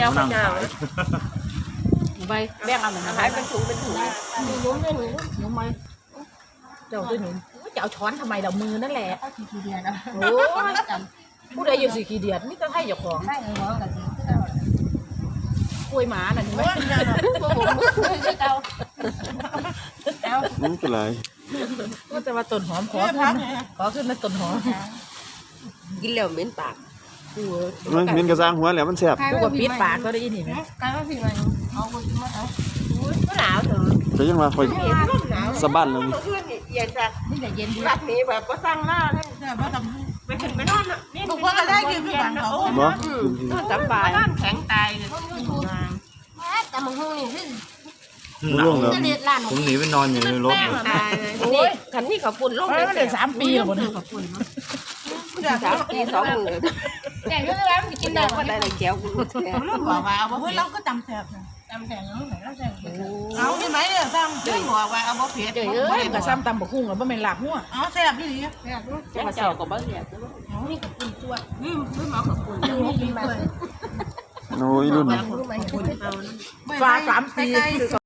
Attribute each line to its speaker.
Speaker 1: เอา
Speaker 2: นั่ง
Speaker 1: ข้าว
Speaker 2: ขาย
Speaker 3: ไปแบ่งเอาหน่อยนะ
Speaker 1: ขายเป็นถุงนุ่มด้วยหนู
Speaker 3: หนูไหมเจ้าด้วยหนูจะเอาช้อนทำไมเรามือนั่นแหละ
Speaker 1: เอาทีเดียวนะ
Speaker 3: โอ้ยผู้ใดอยู่สี่ขี้เดียดมิตรไทยเจ้าของ
Speaker 1: ใช่หัวกับสี
Speaker 3: กล้วยหมาน่ะเห็นไหม
Speaker 2: นี่เป็นไร
Speaker 3: ก็จะมาต้นหอมขอขึ้นมาต้นหอม
Speaker 1: กินแล้วเหม็นปาก
Speaker 3: กู
Speaker 2: มันมินกระซังหัวแล้วมันแซ่บ
Speaker 3: กูว่าปิดปากก็ได้ยินเห็นไหม
Speaker 1: กลายว่าพี่มันเอาไปมาเอาก็หนาวเถอะ
Speaker 2: จะยังมาคอย
Speaker 1: หนาว
Speaker 2: สะบั้นแล้วนี่
Speaker 1: เพื่อนเย็นจ้ะ
Speaker 3: นี่แต่เย็นดี
Speaker 1: รักนี้แบบก็สร้างหน้าเลยไปขึ้นไปนอนนี่ถูกว่าก็ได้กินพี่บ้านเขา
Speaker 2: บ่
Speaker 1: สบายบ้านแข็งตายเลยแต่มึงหูนี่ขึ้น
Speaker 2: หนาวแล้ว
Speaker 4: ผมหนีไปนอนอยู่ในรถ
Speaker 1: ตายเลยนี่คันนี้เขาปุ่นลง
Speaker 3: มันได้3 ปีแล้วบ่เนี่ย
Speaker 1: 3 ปี 2 มื้อ
Speaker 3: แต่ก็ได้แล้วกินได้
Speaker 1: ก็ได้เลยแก้วกู
Speaker 5: เราบอกว่าเอาเฮ้ยเราก็จำแสบนะจำแสบยังไงเราแสบเอาที่ไหนเนี่ยจำเจ้าบอกว่าเอาบ่เผ็ด
Speaker 3: เจ้ยเอ้ยกับซ้ำตำบักหุ่งแล้วบ่แม่นลาบหัว
Speaker 5: เอาแสบพี่หลี
Speaker 1: เจ้าก็บ่เสีย
Speaker 5: นี่กับปุ่นตัว
Speaker 1: นี่หมอกับปุ่น
Speaker 5: นี่กินด้วย
Speaker 2: โอ้ยรุ่น
Speaker 3: ฟ้า3 ปี